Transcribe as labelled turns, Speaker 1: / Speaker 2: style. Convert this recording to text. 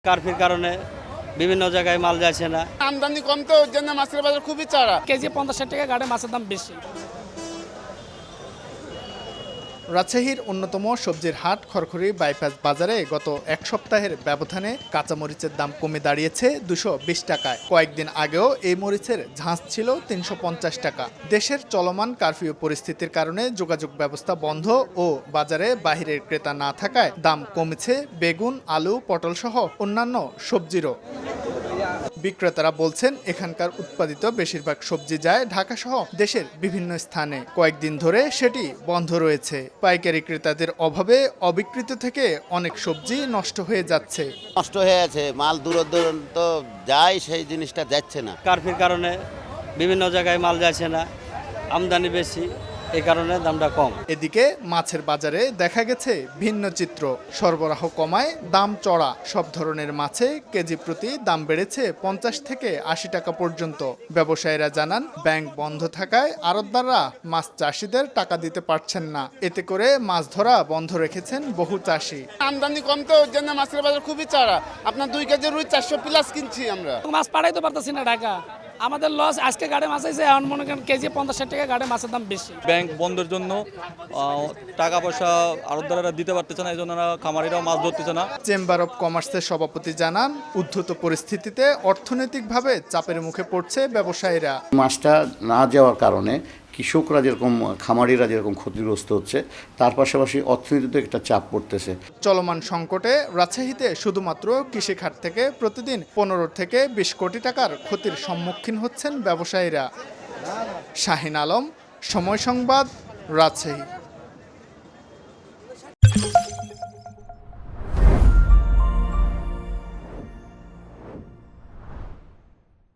Speaker 1: কারফির কারণে বিভিন্ন জায়গায় মাল যাচ্ছে না।
Speaker 2: আমদানি কম তো ওর জন্য মাছের বাজার খুবই চড়া।
Speaker 3: কেজি 50-60 টাকা, ঘাটে মাছের দাম বেশি।
Speaker 4: রাজশাহীর অন্যতম সবজির হাট খড়খড়ি বাইপাস বাজারে গত এক সপ্তাহের ব্যবধানে কাঁচামরিচের দাম কমে দাঁড়িয়েছে 220 টাকায়। কয়েকদিন আগেও এই মরিচের ঝাঁজ ছিল 350 টাকা। দেশের চলমান কারফিউ পরিস্থিতির কারণে যোগাযোগ ব্যবস্থা বন্ধ ও বাজারে বাহিরের ক্রেতা না থাকায় দাম কমেছে বেগুন, আলু, পটল সহ অন্যান্য সবজিরও। বিক্রেতারা বলছেন এখানকার উৎপাদিত বেশিরভাগ সবজি যায় ঢাকা সহ দেশের বিভিন্ন স্থানে। কয়েকদিন ধরে সেটি বন্ধ রয়েছে। পাইকারি ক্রেতাদের অভাবে অবিকৃত থেকে অনেক সবজি নষ্ট হয়ে যাচ্ছে।
Speaker 5: নষ্ট হয়ে আছে, মাল দূর দূরান্ত যায়, সেই জিনিসটা যাচ্ছে না।
Speaker 1: কারফির কারণে বিভিন্ন জায়গায় মাল যাচ্ছে না, আমদানি বেশি, এই কারণে দামটা কম।
Speaker 4: এদিকে মাছের বাজারে দেখা গেছে ভিন্ন চিত্র। সরবরাহ কমায় দাম চড়া। সব ধরনের মাছে কেজি প্রতি দাম বেড়েছে 50 থেকে 80 টাকা পর্যন্ত। ব্যবসায়ীরা জানান ব্যাংক বন্ধ থাকায় আড়তদাররা মাছ চাষিদের টাকা দিতে পারছেন না। এতে করে মাছ ধরা বন্ধ রেখেছেন বহু চাষি।
Speaker 2: আমদানি কম তো ওর জন্য মাছের বাজার খুবই চড়া। আপনার 2 কেজি রুই 400 প্লাস কিনছি আমরা।
Speaker 3: মাছ পাঠাইতে পারতেছি না ঢাকা। আমাদের লস। আজকে ঘাটে মাছ আইছে, এখন মনে করেন কেজি 50-60 টাকা, ঘাটে মাছের দাম বেশি।
Speaker 6: ব্যাংক বন্ধের জন্য টাকা পয়সা আড়তদারেরা দিতে পারতেছে না, এই জন্য খামারিরাও মাছ ধরতেছে না।
Speaker 4: চেম্বার অব কমার্সের সভাপতি জানান উদ্ধত পরিস্থিতিতে অর্থনৈতিকভাবে চাপের মুখে পড়ছে ব্যবসায়ীরা।
Speaker 7: মাছটা না যাওয়ার কারণে কৃষকরা যেরকম, খামারিরা যেরকম ক্ষতিগ্রস্ত হচ্ছে, তার পাশাপাশি অর্থনীতিতে একটা চাপ পড়তেছে।
Speaker 4: চলমান সংকটে রাজশাহীতে শুধুমাত্র কৃষিখাত থেকে প্রতিদিন 15 থেকে 20 কোটি টাকার ক্ষতির সম্মুখীন হচ্ছেন ব্যবসায়ীরা। শাহিন আলম, সময় সংবাদ, রাজশাহী।